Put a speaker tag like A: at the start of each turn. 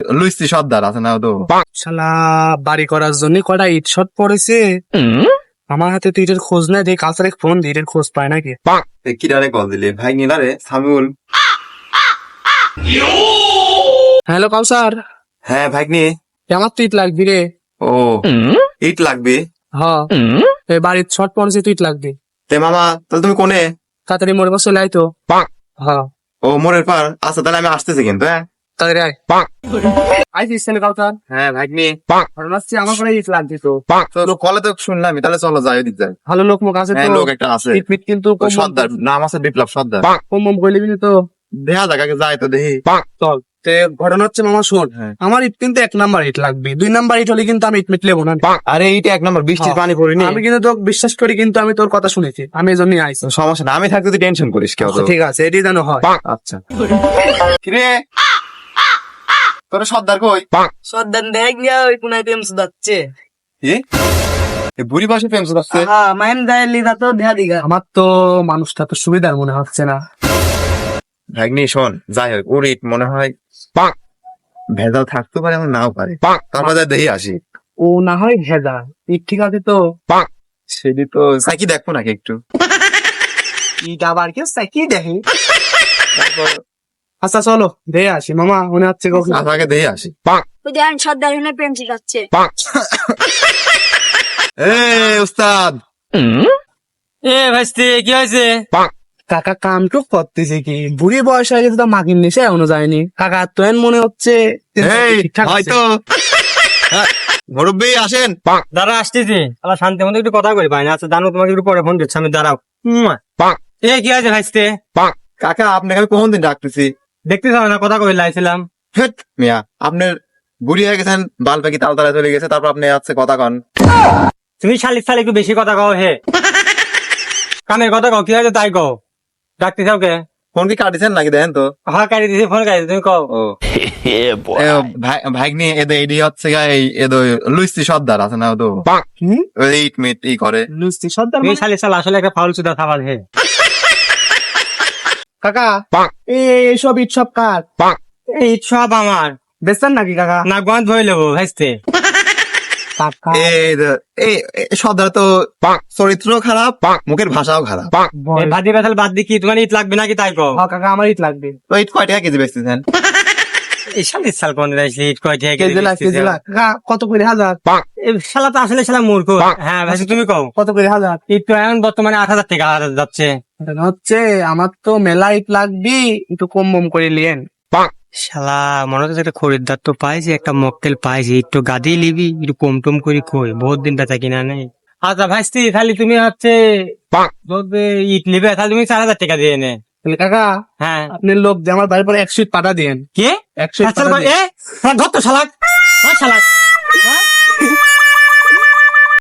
A: লুইসি সর্দার আছে না তো?
B: শালা বাড়ি করার জন্য কটা ইট শট পড়েছে। আমার হাতে তো ইটের খোঁজ নাই, দেখি কালচারে ফোন দিই, ইটের খোঁজ পায় নাকি।
A: কিরারে কল দিলে ভাই নিলারে সামিউল।
B: হ্যালো কাউসার।
A: হ্যাঁ ভাগ্নি।
B: আমার তো ইট লাগবি রে।
A: ও ইট লাগবে?
B: হ্যাঁ এই বাড়ির শট পড়েছে, তো ইট লাগবে।
A: তে মামা তাহলে তুমি কোনে?
B: তাড়াতাড়ি মোড়ে বসে লাই তো। হ্যাঁ
A: ও মোড়ের পার। আচ্ছা তাহলে আমি আসতেছি কিন্তু। হ্যাঁ
B: তাড়াতাড়ি আয়। আইসিস কাউসার?
A: হ্যাঁ ভাগ্নি।
B: ঘটনা হচ্ছে আমার করে ইট লাগবে তো।
A: চলো কলে তো শুনলাম, তাহলে চলো যাই ওদিক যাই।
B: ভালো লোক মুখ আছে
A: হ্যাঁ
B: তো?
A: লোক একটা আছে
B: ইট মিট কিন্তু
A: ওই সর্দার, নাম আছে বিপ্লব সর্দার।
B: কম কম করে নিবি না তো।
A: দেখা যাক আগে যাই তো দেখি।
B: চল। তে ঘটনা হচ্ছে মামা শোন,
A: হ্যাঁ।
B: আমার ইট কিন্তু 1 নাম্বার ইট লাগবে, 2 নাম্বার ইট হলে কিন্তু আমি ইট মিট লেবো না।
A: আরে এইটা 1 নম্বর, বৃষ্টির পানি পড়িনি।
B: আমি কিন্তু তোকে বিশ্বাস করি, কিন্তু আমি তোর কথা শুনেছি, আমি এই জন্যই আইছি।
A: সমস্যা না, আমি থাকতে তুই টেনশন করিস কেউ তো।
B: ঠিক আছে, এটি যেন হয়।
A: আচ্ছা কিরে তোর সর্দার কই?
C: সর্দার দেখ গিয়া ওই কোনায় প্রেম সুদাচ্ছে।
A: কি এ বুড়ি বয়সে প্রেম শুধাচ্ছে?
C: হ্যাঁ মাইন যায় লিদা তো দেয়া দিগা।
B: আমার তো মানুষটা তো সুবিধার মনে হচ্ছে না।
A: ভাগ্নি শোন, যাই হোক ওর ইট মনে হয় ভেজাল থাকতে পারে, এমন নাও পারে। তারপর যাই দেখি আসি।
B: ও না হয় ভেজা ইট, ঠিক আছে তো।
A: সেটি তো সাইকি দেখবো নাকি একটু।
B: ইট আবার কেউ সাইকি দেখে? আচ্ছা চলো দেখে আসি মামা, মনে হচ্ছে কখন।
A: আচ্ছা, আগে দেখে আসি।
C: ওই দেখেন সর্দার এখানে প্রেম শিখাচ্ছে।
A: এ উস্তাদ।
D: এ ভাইস্তি কি হয়েছে?
B: কাকা কামটুক করতেছে কি, বুড়ি বয়স হয়ে গেছে তো মাগির নিচে এখনো যায়নি। কাকা তো এন মনে হচ্ছে
A: এই
B: ঠিকঠাক আছে।
A: হয়তো মুরব্বী আসেন।
D: দাঁড়া আসতেছি, আবার শান্তি মতো একটু কথা কই ভাই না। আচ্ছা জানো, তোমাকে একটু পরে ফোন দিচ্ছি আমি, দাঁড়াও। এ কি হয়েছে ভাইস্তি?
A: কাকা আপনাকে আমি কোন দিন ডাকতেছি?
D: দেখতে চাও না, কথা কই লাইছিলাম।
A: হেট মিয়া, আপনার বুড়ি হয়ে গেছেন, বাল পাখি তালতলায় চলে গেছে, তারপর আপনি আছে কথা কন।
D: তুমি শালিক শালি একটু বেশি কথা কও হে। কামের কথা কও, কি হয়েছে তাই কও। ডাকতে চাও কে?
A: ফোন কি কাটিছেন নাকি দেখেন তো।
D: হ্যাঁ কাটি দিছি, ফোন কাটি তুমি কও।
A: ও ভাগ্নি এদের এডি হচ্ছে লুইসি সর্দার আছে না তো? ওই ইট মিট ই করে।
B: লুচি সর্দার
D: তুমি
B: মানে?
D: শালিক শাল আসলে একটা ফাউল সুদা খাবার হে।
B: কাকা এইসব ইট সব কার?
D: এই সব আমার
B: বেচতেন নাকি কাকা?
D: না, গন্ধ হয়ে লেবো ভাইস্তি।
B: কাকা
A: এই সর্দার তো চরিত্র খারাপ, মুখের ভাষাও খারাপ।
D: এই ভাজি বেতাল বাদ দি, কি তোমার ইট লাগবে নাকি তাই কও।
B: হ্যাঁ কাকা আমার ইট লাগবে।
A: তো ইট কয় টাকা কেজি বেচতেছেন?
D: এই শালিক শাল কোন রাইছি ইট কয় টাকা
B: কেজি লাখ কেজি লাখ। কাকা কত করে হাজার?
D: এই শালা তো আসলে শালা মূর্খ। হ্যাঁ ভাইস্তি তুমি কও।
B: কত করে হাজার?
D: ইট তো এখন বর্তমানে 8,000 টাকা যাচ্ছে।
B: এটা হচ্ছে আমার তো মেলা ইট লাগবে, একটু কম কম করে লিয়েন।
D: শালা মনে হচ্ছে একটা খরিদ্দার তো পাইছি, একটা মকটেল পাইছি, একটু গাদি লিবি, একটু কম টম করে কই, বহুত দিন বেচা কিনা নেই। আচ্ছা ভাইস্তি তাহলে তুমি হচ্ছে যদি ইট নিবে তাহলে তুমি 4,000 টাকা দিয়ে নে।
B: তাহলে কাকা
D: হ্যাঁ
B: আপনি লোক যে আমার বাড়ির পরে 100 ইট পাঠা দিয়েন।
D: কে?
B: 100 ইট
D: আচ্ছা
B: পাঠা দিয়েন।
D: ধর তো শালাক, শালাক।